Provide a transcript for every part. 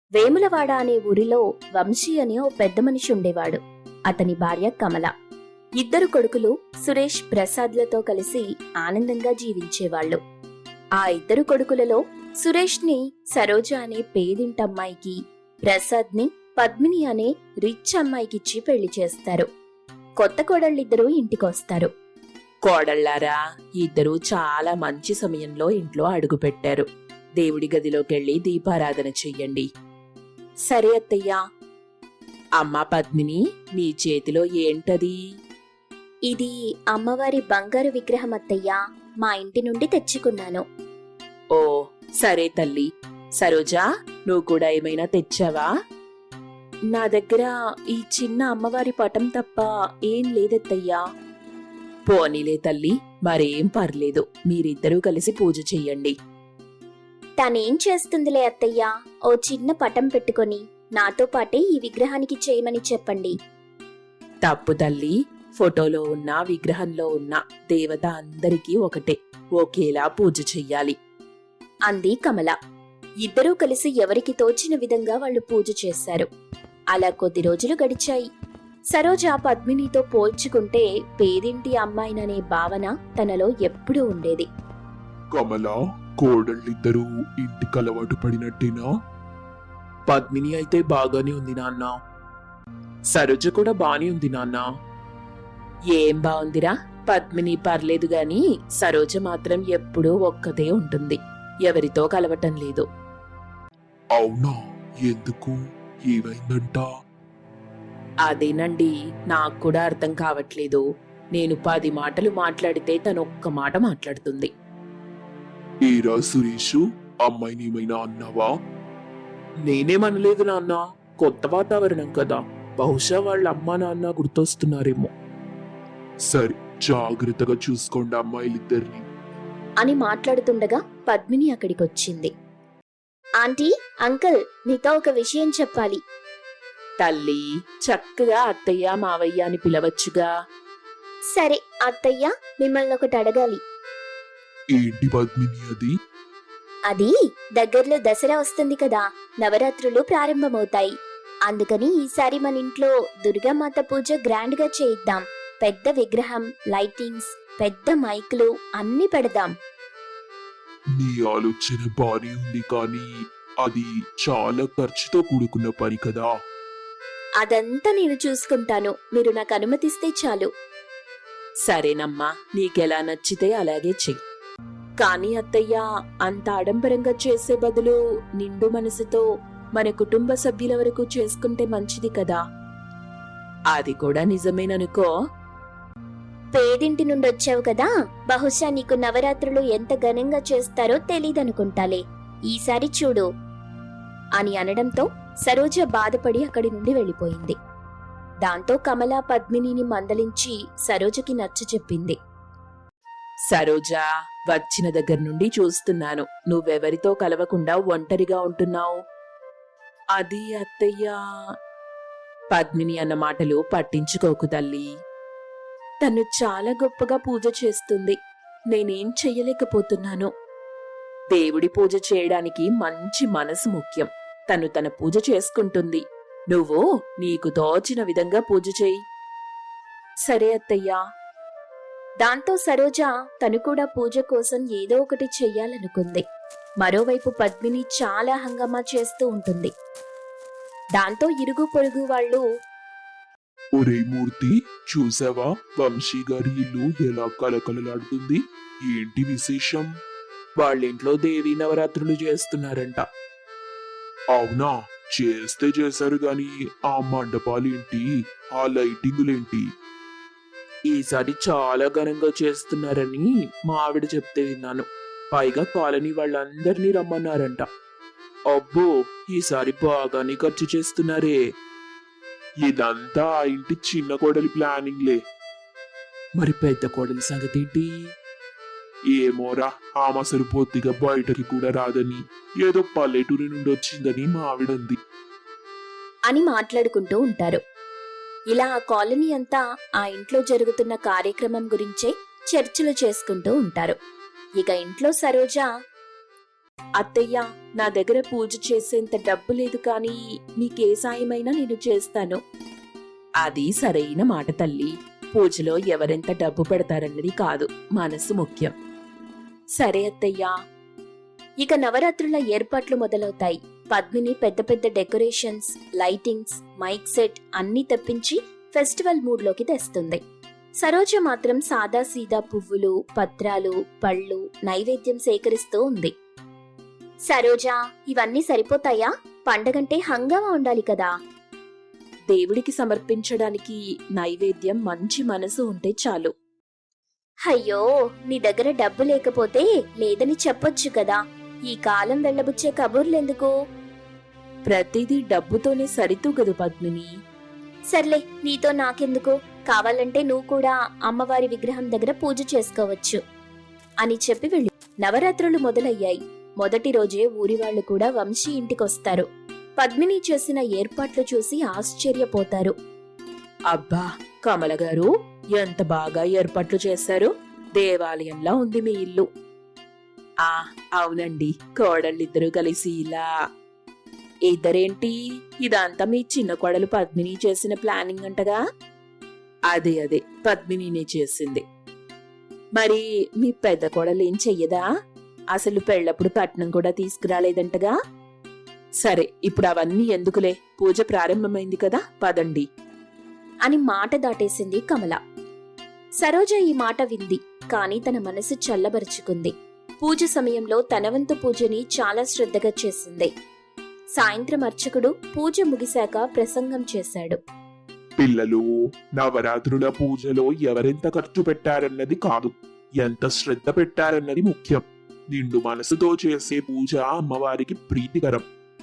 వేములవాడ అనే ఊరిలో వంశీ అనే ఓ పెద్ద మనిషి ఉండేవాడు. అతని భార్య కమల. ఇద్దరు కొడుకులు సురేష్, ప్రసాద్లతో కలిసి ఆనందంగా జీవించేవాళ్లు. ఆ ఇద్దరు కొడుకులలో సురేష్ ని సరోజ అనే పేదింటమ్మాయికి, ప్రసాద్ ని పద్మిని అనే రిచ్ అమ్మాయికిచ్చి పెళ్లి చేస్తారు. కొత్త కోడళ్ళిద్దరూ ఇంటికొస్తారు. కోడళ్ళారా, ఇద్దరూ చాలా మంచి సమయంలో ఇంట్లో అడుగుపెట్టారు. దేవుడి గదిలోకెళ్ళి దీపారాధన చెయ్యండి. సరే అత్తయ్యా. అమ్మా పద్మిని, నీ చేతిలో ఏంటది? ఇది అమ్మవారి బంగారు విగ్రహం అత్తయ్యా. మా ఇంటి నుండి తెచ్చుకున్నాను. ఓ సరే తల్లి. సరోజా, నువ్వు కూడా ఏమైనా తెచ్చావా? నా దగ్గర ఈ చిన్న అమ్మవారి పటం తప్ప ఏం లేదత్తయ్యా. పోనీలే తల్లి, మరేం పర్లేదు. మీరిద్దరూ కలిసి పూజ చెయ్యండి. తనేం చేస్తుందిలే అత్తయ్యా. ఓ చిన్న పటం పెట్టుకొని నాతో పాటే ఈ విగ్రహానికి చేయమని చెప్పండి. తప్పు తల్లి, ఫోటోలో ఉన్న విగ్రహంలో ఉన్న దేవత అందరికీ ఒకటే, ఒకేలా పూజ చెయ్యాలి అంది కమల. ఇద్దరూ కలిసి ఎవరికి తోచిన విధంగా వాళ్ళు పూజ చేశారు. అలా కొద్ది రోజులు గడిచాయి. సరోజ పద్మినితో పోల్చుకుంటే పేదింటి అమ్మాయిననే భావన తనలో ఎప్పుడూ ఉండేది. కమల, కోడళ్ళిద్దరూ ఇంటికి అలవాటు పడినట్టేనా? పద్మిని అయితే బాగానే ఉంది నాన్న. సరోజ కూడా బానే ఉంది నాన్న. ఏం బాగుందిరా, పద్మిని పర్లేదు గాని సరోజ మాత్రం ఎప్పుడూ ఒక్కతే ఉంటుంది. ఎవరితో కలవటం లేదు. అవునా? ఎందుకు? ఏమైందంట? అదేనండి, నాకు కూడా అర్థం కావట్లేదు. నేను 10 మాటలు మాట్లాడితే తను ఒక్క మాట మాట్లాడుతుంది. ఏరా సురేషు, అమ్మాయిని ఏమైనా అన్నావా? నేనేమనలేదు నాన్న. కొత్త వాతావరణం కదా, బహుశా వాళ్ళ అమ్మా నాన్న గుర్తొస్తున్నారేమో. సరే, జాగ్రత్తగా చూసుకోండి అమ్మాయిలిద్దరిని అని మాట్లాడుతుండగా పద్మిని అక్కడికొచ్చింది. ఆంటీ, అంకుల్, నీతో ఒక విషయం చెప్పాలి. తల్లి, చక్కగా అత్తయ్య మావయ్య అని పిలవచ్చుగా. సరే అత్తయ్య, మిమ్మల్ని ఒకటి అడగాలి. ఏంటి పద్మిని అది? అది దగ్గరలో దసరా వస్తుంది కదా, నవరాత్రులు ప్రారంభమవుతాయి. అందుకని ఈసారి మన ఇంట్లో దుర్గామాత పూజ గ్రాండ్ గా చేయిద్దాం. పెద్ద విగ్రహం, లైటింగ్స్, పెద్ద మైకులు అన్ని పెడదాం. నీ ఆలోచన బానే ఉంది, కానీ అది చాలా ఖర్చుతో కూడుకున్న పని కదా. అదంతా నేను చూసుకుంటాను, మీరు నాకు అనుమతిస్తే చాలు. సరేనమ్మా, నీకెలా నచ్చితే అలాగే చెయ్యి. కానీ అత్తయ్య, అంత ఆడంబరంగా చేసే బదులు నిండు మనసుతో మన కుటుంబ సభ్యుల వరకు చేసుకుంటే మంచిది కదా. అది కూడా నిజమేననుకో. పేదింటి నుండి వచ్చావు కదా, బహుశా నీకు నవరాత్రులు ఎంత ఘనంగా చేస్తారో తెలీదనుకుంటాలే. ఈసారి చూడు అని అనడంతో సరోజ బాధపడి అక్కడి నుండి వెళ్ళిపోయింది. దాంతో కమల పద్మినిని మందలించి సరోజకి నచ్చచెప్పింది. సరోజా, వచ్చిన దగ్గర నుండి చూస్తున్నాను, నువ్వెవరితో కలవకుండా ఒంటరిగా ఉంటున్నావు. అది అత్తయ్య. పద్మిని అన్న మాటలు పట్టించుకోకు తల్లి. తను చాలా గొప్పగా పూజ చేస్తుంది, నేనేం చెయ్యలేకపోతున్నాను. దేవుడి పూజ చేయడానికి మంచి మనసు ముఖ్యం. తను తన పూజ చేసుకుంటుంది. నువ్వు నీకు తోచిన విధంగా పూజ చేయి. సరే అత్తయ్యా. దాంతో సరోజ తను కూడా పూజ కోసం ఏదో ఒకటి చెయ్యాలనుకుంది. మరోవైపు పద్మిని చాలా హంగామా చేస్తూ ఉంటుంది. దాంతో ఇరుగు పొరుగు వాళ్ళు, ఒరే మూర్తి, చూసావా వంశీ గారి ఇల్లు ఎలా కలకలలాడుతుంది? ఏంటి విశేషం? వాళ్ళింట్లో దేవీ నవరాత్రులు చేస్తున్నారంట. అవునా? చేస్తే చేశారు గాని ఆ మండపాలేంటి, ఆ లైటింగులేంటి? ఈసారి చాలా ఘనంగా చేస్తున్నారని మా ఆవిడ చెప్తే విన్నాను. పైగా కాలనీ వాళ్ళందరినీ రమ్మన్నారంట. అబ్బో, ఈసారి బాగానే ఖర్చు చేస్తున్నారే. ఇదంతా ఆ ఇంటి చిన్న కోడలి ప్లానింగ్లే. మరి పెద్ద కోడలి సంగతి ఏంటి? ఏమోరా, ఆమె అసలు పొత్తిగా బయటకి కూడా రాదని, ఏదో పల్లెటూరి నుండి వచ్చిందని మా ఆవిడంది అని మాట్లాడుకుంటూ ఉంటారు. ఇలా ఆ కాలనీ అంతా ఆ ఇంట్లో జరుగుతున్న కార్యక్రమం గురించే చర్చలు చేసుకుంటూ ఉంటారు. ఇక ఇంట్లో సరోజ అత్తయ్య, నా దగ్గర పూజ చేసేంత డబ్బు లేదు, కానీ మీకే సాయమైనా నేను చేస్తాను. అది సరైన మాట తల్లి. పూజలో ఎవరెంత డబ్బు పెడతారన్నది కాదు, మనసు ముఖ్యం. సరే అత్తయ్యా. ఇక నవరాత్రుల ఏర్పాట్లు మొదలవుతాయి. పద్మిని పెద్ద పెద్ద డెకరేషన్స్, లైటింగ్స్, మైక్ సెట్ అన్నీ తెప్పించి ఫెస్టివల్ మూడ్లోకి తెస్తుంది. సరోజ మాత్రం సాదాసీదా పువ్వులు, పత్రాలు, పళ్ళు, నైవేద్యం సేకరిస్తూ ఉంది. సరోజా, ఇవన్నీ సరిపోతాయా? పండగంటే హంగామా ఉండాలి కదా. దేవుడికి సమర్పించడానికి నైవేద్యం మంచి మనసు ఉంటే చాలు. అయ్యో, నీ దగ్గర డబ్బు లేకపోతే లేదని చెప్పొచ్చు కదా. ఈ కాలం వెళ్ళబుచ్చే కబుర్లెందుకు? ప్రతిదీ డబ్బుతోనే సరితూగదు పద్మిని. సర్లే, నీతో నాకెందుకు? కావాలంటే నువ్వు కూడా అమ్మవారి విగ్రహం దగ్గర పూజ చేసుకోవచ్చు అని చెప్పి వెళ్ళి నవరాత్రులు మొదలయ్యాయి. మొదటి రోజే ఊరివాళ్లు కూడా వంశీ ఇంటికొస్తారు. పద్మిని చేసిన ఏర్పాట్లు చూసి ఆశ్చర్యపోతారు. అబ్బా, కమల గారు, ఎంత బాగా ఏర్పాట్లు చేశారు. దేవాలయంలా ఉంది మీ ఇల్లు. అవునండి, కోడళ్ళిద్దరూ కలిసి ఇలా. ఇద్దరేంటి, ఇదంతా మీ చిన్న కోడలు పద్మిని చేసిన ప్లానింగ్ అంటగా? అదే పద్మినినే చేసింది. మరి మీ పెద్ద కోడలు ఏం చెయ్యదా? అసలు పెళ్ళప్పుడు కట్నం కూడా తీసుకురాలేదంటగా? సరే, ఇప్పుడు అవన్నీ ఎందుకులే, పూజ ప్రారంభమైంది కదా, పదండి అని మాట దాటేసింది కమల. సరోజ ఈ మాట వింది, కాని తన మనసు చల్లబరుచుకుంది. పూజ సమయంలో తన వంతు పూజని చాలా శ్రద్ధగా చేసింది. సాయంత్రం అర్చకుడు పూజ ముగిశాక ప్రసంగం చేశాడు. పిల్లలు, నవరాత్రుల పూజలో ఎవరెంత ఖర్చు పెట్టారన్నది కాదు, ఎంత శ్రద్ధ పెట్టారన్నది ముఖ్యం. నిండు మనసుతో చేసే పూజ అమ్మవారికి ప్రీతికరం.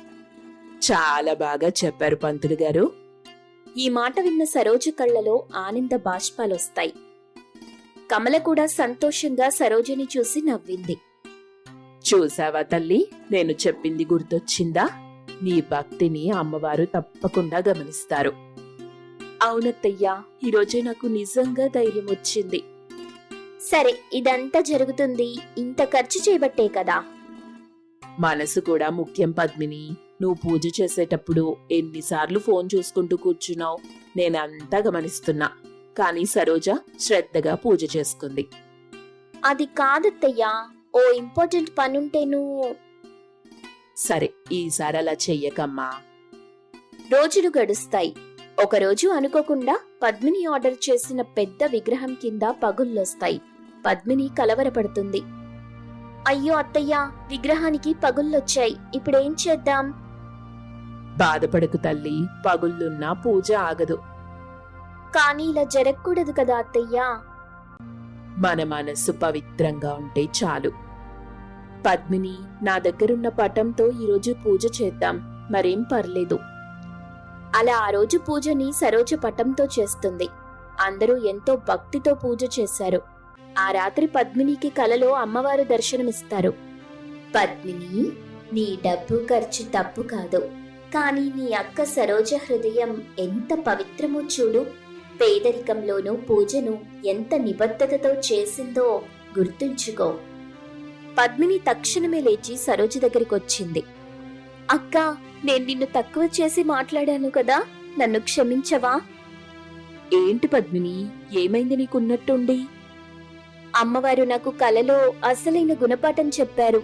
చాలా బాగా చెప్పారు పంతులు గారు. ఈ మాట విన్న సరోజ కళ్ళలో ఆనంద బాష్పాలొస్తాయి. కమల కూడా సంతోషంగా సరోజని చూసి నవ్వింది. చూసావా తల్లి, నేను చెప్పింది గుర్తొచ్చిందా? నీ భక్తిని అమ్మవారు తప్పకుండా గమనిస్తారు. అవునత్తయ్యా, ఈరోజే నాకు నిజంగా ధైర్యం వచ్చింది. సరే, ఇదంతా జరుగుతుంది ఇంత ఖర్చు చేయబట్టే కదా. మనసు కూడా ముఖ్యం పద్మిని. నువ్వు పూజ చేసేటప్పుడు ఎన్నిసార్లు ఫోన్ చూసుకుంటూ కూర్చున్నావు, నేనంతా గమనిస్తున్నా. కానీ సరోజ శ్రద్ధగా పూజ చేసుకుంది. అది కాదత్తయ్యా, ఓ ఇంపార్టెంట్ పనుంటేను. సరే, ఈసారి అలా చెయ్యకమ్మా. రోజులు గడుస్తాయి. ఒకరోజు అనుకోకుండా పద్మిని ఆర్డర్ చేసిన పెద్ద విగ్రహం కింద పగుళ్ళొస్తాయి. పద్మిని కలవరపడుతుంది. అయ్యో అత్తయ్యా, విగ్రహానికి పగుళ్ళొచ్చాయి, ఇప్పుడేం చేద్దాం? బాధపడకు తల్లి, పగుళ్ళున్నా పూజ ఆగదు. కానీ ఇలా జరగకూడదు కదా అత్తయ్యా. మన మనస్సు పవిత్రంగా ఉంటే చాలు. పద్మిని, నా దగ్గరున్న పటంతో ఈరోజు పూజ చేద్దాం, మరేం పర్లేదు. అలా ఆ రోజు పూజని సరోజ పటంతో చేస్తుంది. అందరూ ఎంతో భక్తితో పూజ చేశారు. ఆ రాత్రి పద్మినికి కలలో అమ్మవారు దర్శనమిస్తారు. పద్మిని, నీ డబ్బు ఖర్చు తప్పు కాదు, కానీ నీ అక్క సరోజ హృదయం ఎంత పవిత్రమో చూడు. పేదరికంలోనూ పూజను ఎంత నిబద్ధతతో చేసిందో గుర్తుంచుకో. పద్మిని తక్షణమే లేచి సరోజ దగ్గరికొచ్చింది. అక్క, నేను నిన్ను తక్కువ చేసి మాట్లాడాను కదా, నన్ను క్షమించవా? ఏంటి పద్మిని, ఏమైంది నీకున్నట్టుండి? అమ్మవారు నాకు కలలో అసలైన గుణపాఠం చెప్పారు.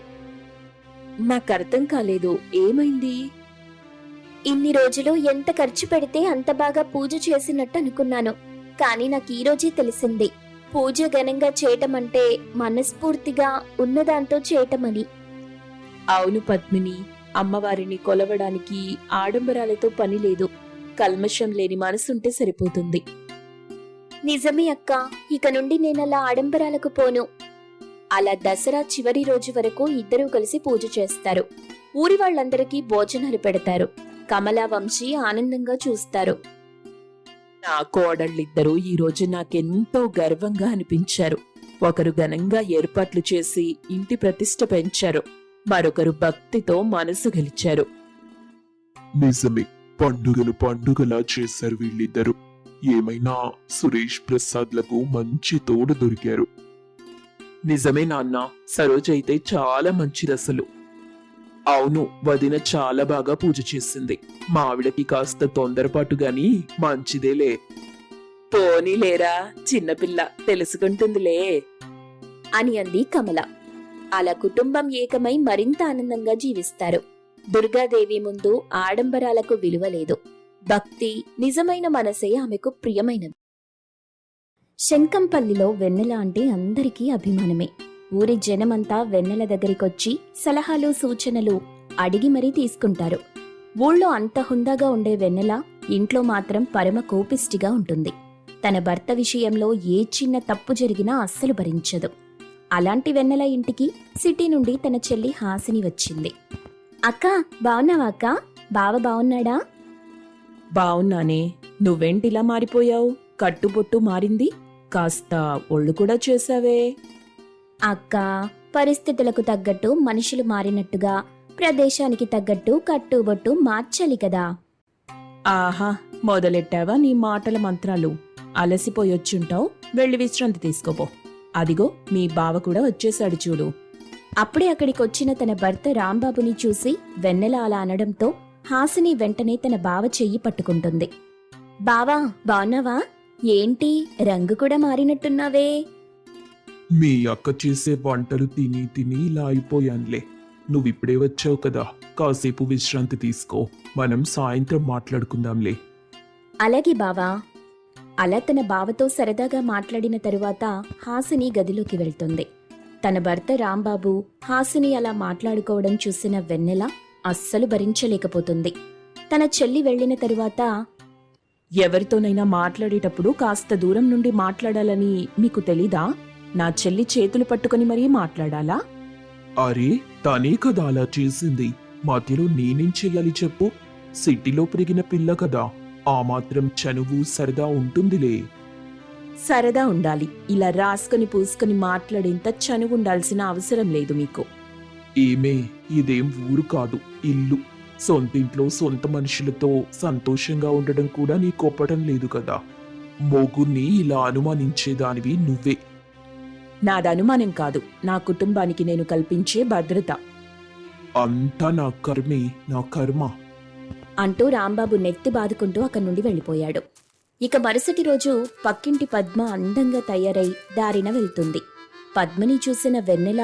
నాకర్థం కాలేదు, ఏమైంది? ఇన్ని రోజులు ఎంత ఖర్చు పెడితే అంత బాగా పూజ చేసినట్టు అనుకున్నాను, కానీ నాకు ఈ రోజే తెలిసింది, పూజ ఘనంగా చేయటమంటే మనస్ఫూర్తిగా ఉన్నదాంతో చేయటమని. అవును పద్మిని, అమ్మవారిని కొలవడానికి ఆడంబరాలతో పని లేదు. కల్మషం లేని మనసుంటే సరిపోతుంది. నిజమే అక్క, ఇక నుండి నేనలా ఆడంబరాలకు పోను. అలా దసరా చివరి రోజు వరకు ఇద్దరూ కలిసి పూజ చేస్తారు. ఊరి వాళ్ళందరికీ భోజనాలు పెడతారు. కమల, వంశీ ఆనందంగా చూస్తారు. నా కోడళ్ళిద్దరూ ఈరోజు నాకెంతో గర్వంగా అనిపించారు. ఒకరు ఘనంగా ఏర్పాట్లు చేసి ఇంటి ప్రతిష్ఠ పెంచారు, మరొకరు భక్తితో మనసు గెలిచారు. నిజమే, పండుగను పండుగలా చేశారు వీళ్ళిద్దరు. ఏమైనా సురేష్ ప్రసాద్లకు మంచి తోడు దొరికారు. నిజమే నాన్న, సరోజ అయితే చాలా మంచిదసలు. అవును, వదిన చాలా బాగా పూజ చేసింది. మా ఆవిడకి కాస్త తొందరపాటు గాని మంచిదేలే. పోనీలేరా, చిన్నపిల్ల తెలుసుకుంటుందిలే అని అంది కమల. అలా కుటుంబం ఏకమై మరింత ఆనందంగా జీవిస్తారు. దుర్గాదేవి ముందు ఆడంబరాలకు విలువ లేదు. భక్తి, నిజమైన మనసే ఆమెకు ప్రియమైనది. శంకంపల్లిలో వెన్నెల అంటే అందరికీ అభిమానమే. ఊరి జనమంతా వెన్నెల దగ్గరికొచ్చి సలహాలు సూచనలు అడిగి మరీ తీసుకుంటారు. ఊళ్ళో అంత హుందాగా ఉండే వెన్నెల ఇంట్లో మాత్రం పరమ కోపిష్టిగా ఉంటుంది. తన భర్త విషయంలో ఏ చిన్న తప్పు జరిగినా అస్సలు భరించదు. అలాంటి వెన్నెల ఇంటికి సిటీ నుండి తన చెల్లి హాసిని వచ్చింది. అక్క, బావున్నావా అక్క? బావ బావున్నాడా? బావున్నానే. నువ్వేంటిలా మారిపోయావు? కట్టుబొట్టు మారింది, కాస్త ఒళ్ళు కూడా చేసావే. అక్క, పరిస్థితులకు తగ్గట్టు మనుషులు మారినట్టుగా ప్రదేశానికి తగ్గట్టు కట్టుబొట్టు మార్చాలి కదా. ఆహా, మొదలెట్టావా నీ మాటల మంత్రాలు? అలసిపోయొచ్చుంటావు, వెళ్ళి విశ్రాంతి తీసుకోపో. అదిగో మీ బావ కూడా వచ్చేశాడు చూడు. అప్పుడే అక్కడికొచ్చిన తన భర్త రాంబాబుని చూసి వెన్నెల అలా అనడంతో హాసిని వెంటనే తన బావ చెయ్యి పట్టుకుంటుంది. బావా, బావున్నావా? ఏంటి రంగు కూడా మారినట్టున్నావే? మీ అక్క చేసే వంటలు తిని తిని ఇలా అయిపోయానులే. నువ్విప్పుడే వచ్చావు కదా, కాసేపు విశ్రాంతి తీసుకో. మనం సాయంత్రం మాట్లాడుకుందాంలే. అలాగే బావా. అలా తన బావతో సరదాగా మాట్లాడిన తరువాత హాసిని గదిలోకి వెళ్తుంది. తన భర్త రాంబాబు, హాసిని అలా మాట్లాడుకోవడం చూసిన వెన్నెల అస్సలు భరించలేకపోతుంది. తన చెల్లి వెళ్లిన తరువాత, ఎవరితోనైనా మాట్లాడేటప్పుడు కాస్త దూరం నుండి మాట్లాడాలని మీకు తెలీదా? నా చెల్లి చేతులు పట్టుకుని మరీ మాట్లాడాలా? అరే, తనే కదా అలా చేసింది. మధ్యలో నేనేం చెయ్యాలి చెప్పు? సిటీలో పెరిగిన పిల్ల కదా, ఆ మాత్రం చనువు సరదా ఉంటుందిలే. సరదా ఉండాలి, ఇలా రాసుకుని పూసుకుని మాట్లాడేంత చనువుండాల్సిన అవసరం లేదు మీకు. ఏమే, ఇదేం ఊరు కాదు, ఇల్లు. సొంతింట్లో సొంత మనుషులతో సంతోషంగా ఉండడం కూడా నీ కొప్పడం లేదు కదా. మొగుణ్ణి ఇలా అనుమానించేదానివి నువ్వే. నాది అనుమానం కాదు, నా కుటుంబానికి నేను కల్పించే భద్రత. అంతా నా కర్మే, నా కర్మ. అంటూ రాంబాబు నెత్తి బాదుకుంటూ అక్కడి నుండి వెళ్ళిపోయాడు. ఇక మరుసటి రోజు పక్కింటి పద్మ అందంగా తయారై దారిన వెళ్తుంది. పద్మని చూసిన వెన్నెల,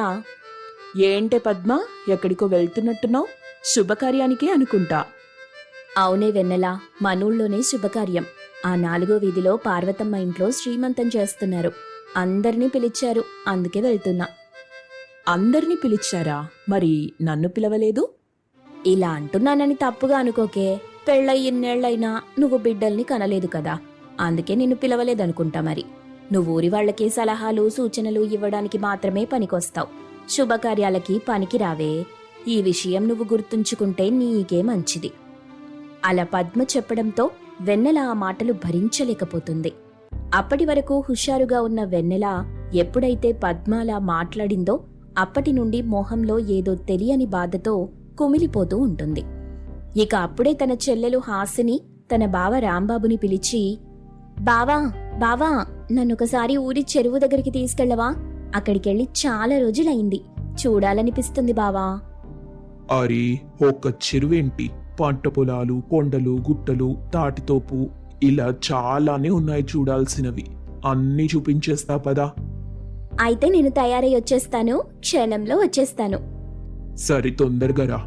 ఏంటే పద్మ, ఎక్కడికో వెళ్తున్నట్టున్నావు? శుభకార్యానికి అనుకుంటా. అవునే వెన్నెల, మనూళ్ళోనే శుభకార్యం. ఆ 4వ వీధిలో పార్వతమ్మ ఇంట్లో శ్రీమంతం చేస్తున్నారు. అందర్నీ పిలిచారు, అందుకే వెళ్తున్నా. అందరినీ పిలిచారా? మరి నన్ను పిలవలేదు? ఇలా అంటున్నానని తప్పుగా అనుకోకే. పెళ్ళై ఇన్నేళ్లైనా నువ్వు బిడ్డల్ని కనలేదు కదా, అందుకే నిన్ను పిలవలేదనుకుంటా. మరి నువ్వు ఊరి వాళ్ళకి సలహాలు సూచనలు ఇవ్వడానికి మాత్రమే పనికొస్తావు, శుభకార్యాలకి పనికి రావే. ఈ విషయం నువ్వు గుర్తుంచుకుంటే నీకే మంచిది. అలా పద్మ చెప్పడంతో వెన్నెల ఆ మాటలు భరించలేకపోతుంది. అప్పటి వరకు హుషారుగా ఉన్న వెన్నెల ఎప్పుడైతే పద్మ అలా మాట్లాడిందో అప్పటి నుండి మోహంలో ఏదో తెలియని బాధతో కుమిలిపోతూ ఉంటుంది. ఇక అప్పుడే తన చెల్లెలు హాసిని తన బావ రాంబాబుని పిలిచి, బావా బావా, నన్నొకసారి ఊరి చెరువు దగ్గరికి తీసుకెళ్లవా? అక్కడికెళ్ళి చాలా రోజులైంది, చూడాలనిపిస్తుంది బావా. అరే, ఒక్క చెరువేంటి, పంట పొలాలు, కొండలు, గుట్టలు, తాటితోపు, ఇలా చాలానే ఉన్నాయి చూడాల్సినవి. అన్నీ చూపించేస్తా పదా. అయితే నేను తయారై వచ్చేస్తాను, క్షణంలో వచ్చేస్తాను. సరే, తొందరగా రా.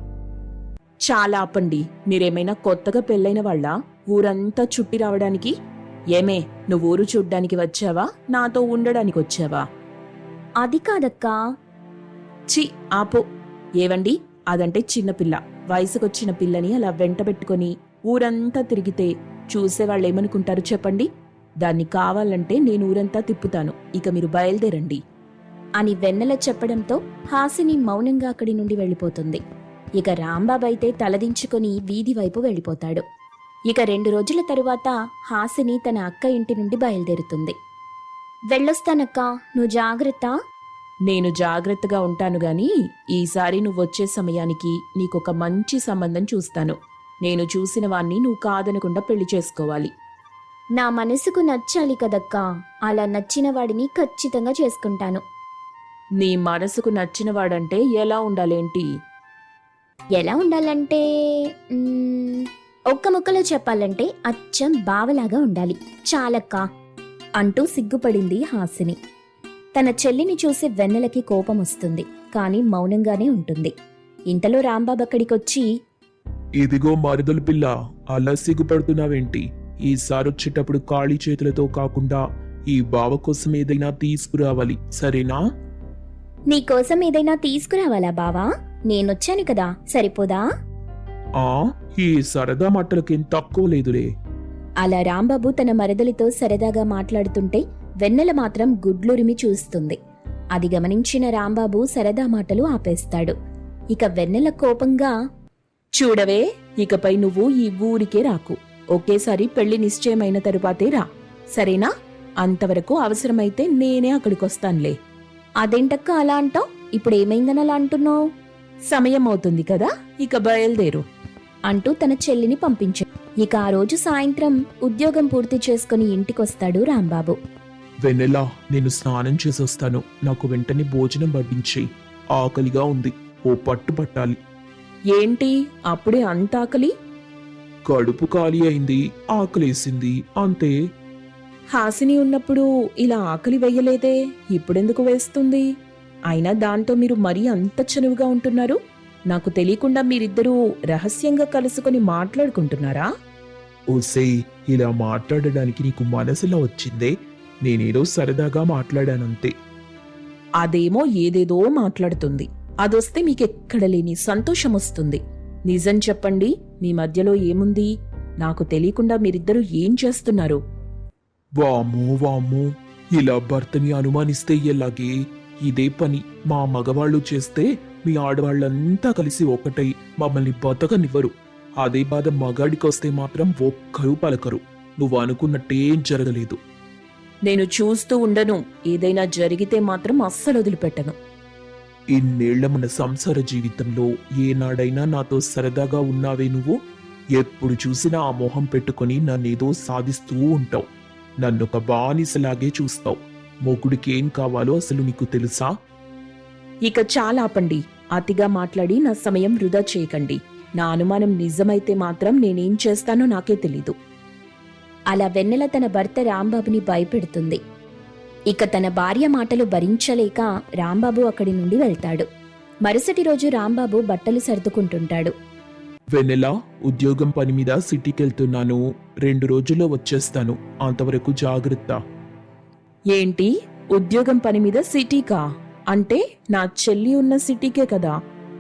చాలా ఆపండి, మీరేమైనా కొత్తగా పెళ్ళైన వాళ్ళ ఊరంతా చుట్టి రావడానికి? ఏమే, నువ్వు ఊరు చూడ్డానికి వచ్చావా, నాతో ఉండడానికి వచ్చావా? అది కాదక్కా. చి, ఆపో. ఏవండి, అదంటే చిన్నపిల్ల, వయసుకొచ్చిన పిల్లని అలా వెంటబెట్టుకొని ఊరంతా తిరిగితే చూసేవాళ్ళేమనుకుంటారు చెప్పండి? దాన్ని కావాలంటే నేను ఊరంతా తిప్పుతాను, ఇక మీరు బయలుదేరండి అని వెన్నెల చెప్పడంతో హాసిని మౌనంగా అక్కడి నుండి వెళ్ళిపోతుంది. ఇక రాంబాబైతే తలదించుకొని వీధి వైపు వెళ్ళిపోతాడు. ఇక 2 రోజుల తరువాత హాసిని తన అక్క ఇంటి నుండి బయలుదేరుతుంది. వెళ్ళొస్తానక్కా, నువ్వు జాగ్రత్త. నేను జాగ్రత్తగా ఉంటాను గాని ఈసారి నువ్వొచ్చే సమయానికి నీకొక మంచి సంబంధం చూస్తాను. నేను చూసిన వాణ్ణి నువ్వు కాదనకుండా పెళ్లి చేసుకోవాలి. నా మనసుకు నచ్చాలి కదక్కా, అలా నచ్చిన వాడిని ఖచ్చితంగా చేసుకుంటాను. నీ మనసుకు నచ్చినవాడంటే ఎలా ఉండాలేంటి? ఎలా ఉండాలంటే ఒక్క ముక్కలో చెప్పాలంటే అచ్చం బావలాగా ఉండాలి చాలక్కా అంటూ సిగ్గుపడింది హాసిని. తన చెల్లిని చూసి వెన్నెలకి కోపం వస్తుంది, కాని మౌనంగానే ఉంటుంది. ఇంతలో రాంబాబు అక్కడికొచ్చి, ఇదిగో మరుదలు పిల్ల, అలా సిగ్గుపడుతున్నావేంటి? ఈసారి వచ్చేటప్పుడు ఖాళీ చేతులతో కాకుండా ఈ బావ కోసం ఏదైనా తీసుకురావాలి, సరేనా? నీకోసం ఏదైనా తీసుకురావాలా బావా? నేనొచ్చాను కదా, సరిపోదా? ఆ ఈ సరదా మాటలకేం తక్కువ లేదులే. అలా రాంబాబు తన మరదలితో సరదాగా మాట్లాడుతుంటే వెన్నెల మాత్రం గుడ్లురిమి చూస్తుంది. అది గమనించిన రాంబాబు సరదా మాటలు ఆపేస్తాడు. ఇక వెన్నెల కోపంగా, చూడవే, ఇకపై నువ్వు ఈ ఊరికే రాకు. ఒకేసారి పెళ్లి నిశ్చయమైన తరువాతే రా, సరేనా? అంతవరకు అవసరమైతే నేనే అక్కడికొస్తానులే. అదేంటక్క అలా అంటావ్? ఇప్పుడేమైందని అలా అంటున్నావు? సమయం అవుతుంది కదా, ఇక బయలుదేరు అంటూ తన చెల్లిని పంపించాడు. ఇక ఆ రోజు సాయంత్రం ఉద్యోగం పూర్తి చేసుకుని ఇంటికొస్తాడు రాంబాబు. వెన్నెలా, నేను స్నానం చేసొస్తాను. నాకు వెంటనే భోజనం వడ్డించేయి. ఆకలిగా ఉంది, ఓ పట్టు పట్టాలి. ఏంటి అప్పుడే అంత ఆకలి? కడుపు ఖాళీ అయింది, ఆకలేసింది, అంతే. హాసిని ఉన్నప్పుడు ఇలా ఆకలి వెయ్యలేదే, ఇప్పుడెందుకు వేస్తుంది? అయినా దాంతో మీరు మరీ అంత చనువుగా ఉంటున్నారు. నాకు తెలియకుండా మీరిద్దరూ రహస్యంగా కలుసుకొని మాట్లాడుకుంటున్నారా? ఓసేయ్, ఇలా మాట్లాడడానికి నీకు మనసులో వచ్చిందే? నేనేదో సరదాగా మాట్లాడానంతే. అదేమో ఏదేదో మాట్లాడుతుంది. అదొస్తే మీకెక్కడ లేని సంతోషం వస్తుంది. నిజం చెప్పండి, మీ మధ్యలో ఏముంది? నాకు తెలియకుండా మీరిద్దరూ ఏం చేస్తున్నారు? వామ్మో వామ్మో, ఇలా భర్తని అనుమానిస్తే ఎలాగే? ఇదే పని మా మగవాళ్ళు చేస్తే మీ ఆడవాళ్ళంతా కలిసి ఒకటై మమ్మల్ని బతకనివ్వరు. అదే బాధ మగాడికొస్తే మాత్రం ఒక్కరూ పలకరు. నువ్వు అనుకున్నట్టేం జరగలేదు. నేను చూస్తూ ఉండను. ఏదైనా జరిగితే మాత్రం అస్సలు వదిలిపెట్టను. ఇన్నేళ్ల మన సంసార జీవితంలో ఏనాడైనా నాతో సరదాగా ఉన్నావే నువ్వు? ఎప్పుడు చూసినా ఆ మొహం పెట్టుకుని నన్నేదో సాధిస్తూ ఉంటావు. నన్నొక బానిసలాగే చూస్తావు. మొగుడికేం కావాలో అసలు నీకు తెలుసా? ఇక చాలా ఆపండి. అతిగా మాట్లాడి నా సమయం వృధా చేయకండి. నా అనుమానం నిజమైతే మాత్రం నేనేం చేస్తానో నాకే తెలీదు. అలా వెన్నెల తన భర్త రాంబాబుని భయపెడుతుంది. ఇక తన భార్య మాటలు భరించలేక రాంబాబు అక్కడి నుండి వెళ్తాడు. మరుసటి రోజు రాంబాబు బట్టలు సర్దుకుంటుంటాడు. వెన్నెలా, ఉద్యోగం పని మీద సిటీకెళ్తున్నాను. 2 రోజుల్లో వచ్చేస్తాను. అంతవరకు జాగ్రత్త. ఏంటి, ఉద్యోగం పని మీద సిటీకా? అంటే నా చెల్లి ఉన్న సిటీకే కదా?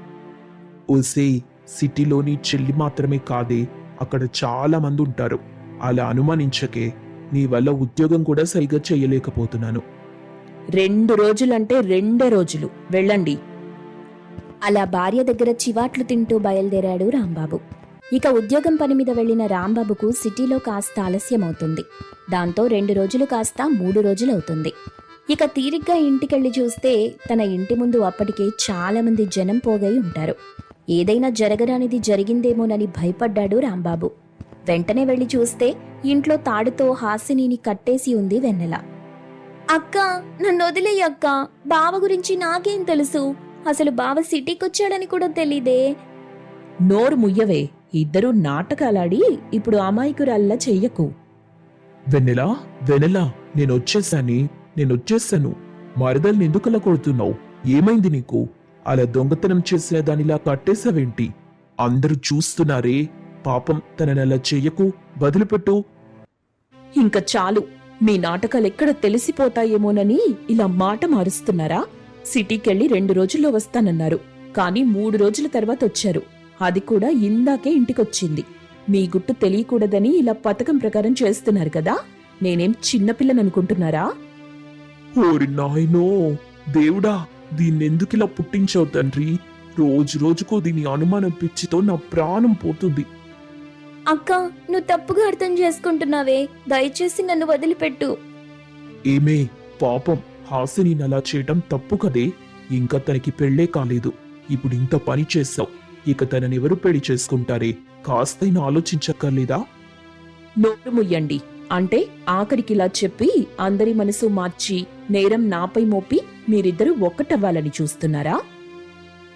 ఓసేయ్, సిటీలోని చెల్లి మాత్రమే కాదే, అక్కడ చాలా మంది ఉంటారు. అలా అనుమానించకే. నీ వల్ల ఉద్యోగం కూడా సరిగా చేయలేకపోతున్నాను. 2 రోజులంటే 2 రోజులు. వెళ్ళండి. అలా భార్య దగ్గర చివాట్లు తింటూ బయలుదేరాడు రాంబాబు. ఇక ఉద్యోగం పని మీద వెళ్లిన రాంబాబుకు సిటీలో కాస్త ఆలస్యమవుతుంది. దాంతో 2 రోజులు కాస్త 3 రోజులవుతుంది. ఇక తీరిగ్గా ఇంటికెళ్లి చూస్తే తన ఇంటి ముందు అప్పటికే చాలా మంది జనం పోగై ఉంటారు. ఏదైనా జరగరానిది జరిగిందేమోనని భయపడ్డాడు రాంబాబు. వెంటనే వెళ్లి చూస్తే ఇంట్లో తాడుతో హాసినిని కట్టేసి ఉంది వెన్నెల. అక్క, నన్ను వదిలేయ్ అక్క. బావ గురించి నాకేం తెలుసు? అసలు బావ సిటీకొచ్చాడని కూడా తెలీదే. నోరు ముయ్యవే. ఇద్దరూ నాటకాలాడి ఇప్పుడు అమాయకురాల్లా చెయ్యకు. వెన్నెలా, వెన్నెలా, నేనొచ్చేసాను. మరదల్ని ఎందుకలా కొడుతున్నావు? ఏమైంది నీకు? అలా దొంగతనం చేసిన దానిలా కట్టేశావేంటి? అందరూ చూస్తున్నారే. పాపం, తననలా చెయ్యకు, వదిలిపెట్టు. ఇంక చాలు. మీ నాటకాలెక్కడ తెలిసిపోతాయేమోనని ఇలా మాట మారుస్తున్నారా? సిటీకెళ్ళి 2 రోజుల్లో వస్తానన్నారు, కానీ 3 రోజుల తర్వాత వచ్చారు. అది కూడా ఇందాకే ఇంటికొచ్చింది. మీ గుట్టు తెలియకూడదని ఇలా పథకం ప్రకారం చేస్తున్నారు కదా. నేనేం చిన్నపిల్లననుకుంటున్నారా? ఓరి నాయనో, దేవుడా, దీన్నెందుకిలా పుట్టించావు తండ్రి? రోజు రోజుకో దీని అనుమానం పిచ్చితో నా ప్రాణం పోతుంది. అక్క, నువ్వు తప్పుగా అర్థం చేసుకుంటున్నావే. దయచేసి నన్ను వదిలిపెట్టు. ఏమే, పాపం హాసిని అలా చేయటం తప్పు కదే. ఇంకా తనకి పెళ్లే కాలేదు. ఇప్పుడు ఇంత పని చేశావు. ఇక తననెవరు పెళ్లి చేసుకుంటారే? కాస్తైనా ఆలోచించక్కర్లేదా? నోరు ముయ్యండి. అంటే ఆఖరికిలా చెప్పి అందరి మనసు మార్చి నేరం నాపై మోపి మీరిద్దరూ ఒక్కటవ్వాలని చూస్తున్నారా?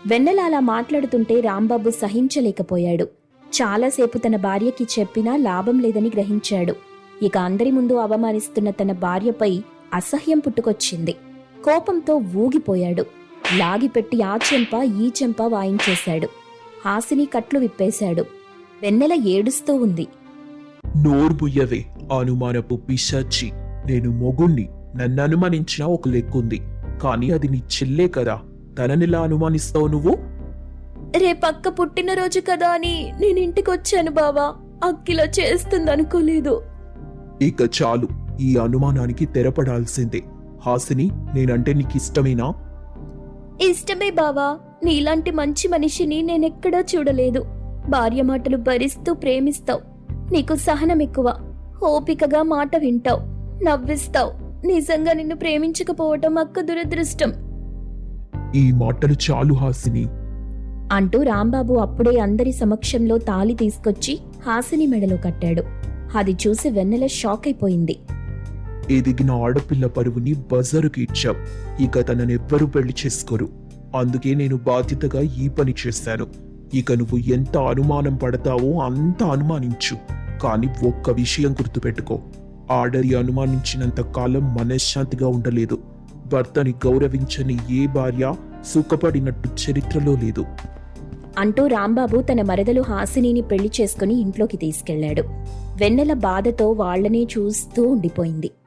వెన్నెల అలా మాట్లాడుతుంటే రాంబాబు సహించలేకపోయాడు. చాలాసేపు తన భార్యకి చెప్పినా లాభం లేదని గ్రహించాడు. ఇక అందరి ముందు అవమానిస్తున్న తన భార్యపై అసహ్యం పుట్టుకొచ్చింది. కోపంతో ఊగిపోయాడు. లాగిపెట్టి ఆ చెంప ఈ చెంప వాయించేశాడు. హాసిని కట్లు విప్పేశాడు. వెన్నెల ఏడుస్తూ ఉంది. నోరు బుయ్యవే, అనుమానపు పిశాచి. నేను మొగుణ్ణి, నన్ను అనుమానించినా ఒక లెక్కుంది. కానీ అది నీ చెల్లే కదా, తననిలా అనుమానిస్తావు నువ్వు? రేపక్క పుట్టినరోజు కదా అని నేను ఇంటికొచ్చాను బావా. అక్కిలా చేస్తుందనుకోలేదు. ఇక చాలు, ఈ అనుమానానికి తెరపడాల్సిందే. హాసిని, నేనంటే నీకిష్టమేనా? ఇష్టమే బావా. నీలాంటి మంచి మనిషిని నేనెక్కడా చూడలేదు. భార్య మాటలు భరిస్తూ ప్రేమిస్తావు. నీకు సహనం ఎక్కువ. ఓపికగా మాట వింటావు, నవ్విస్తావు. నిజంగా నిన్ను ప్రేమించకపోవటం అక్క దురదృష్టం ఈ మాటలు చాలు హాసిని అంటూ రాంబాబు అప్పుడే అందరి సమక్షంలో తాళి తీసుకొచ్చి హాసిని మెడలో కట్టాడు. అది చూసి వెన్నెల షాక్ అయిపోయింది. ఎదిగిన ఆడపిల్ల పరువుని బజారుకి ఇచ్చావు. ఇక తననెవ్వరూ పెళ్లి చేసుకోరు. అందుకే నేను బాధ్యతగా ఈ పని చేశాను. ఇక నువ్వు ఎంత అనుమానం పడతావో అంత అనుమానించు. కానీ ఒక్క విషయం గుర్తుపెట్టుకో, ఆడది అనుమానించినంత కాలం మనశ్శాంతిగా ఉండలేదు. భర్తని గౌరవించని ఏ భార్య సుఖపడినట్టు చరిత్రలో లేదు అంటూ రాంబాబు తన మరదలు హాసినిని పెళ్లి చేసుకుని ఇంట్లోకి తీసుకెళ్లాడు. వెన్నెల బాధతో వాళ్లనే చూస్తూ ఉండిపోయింది.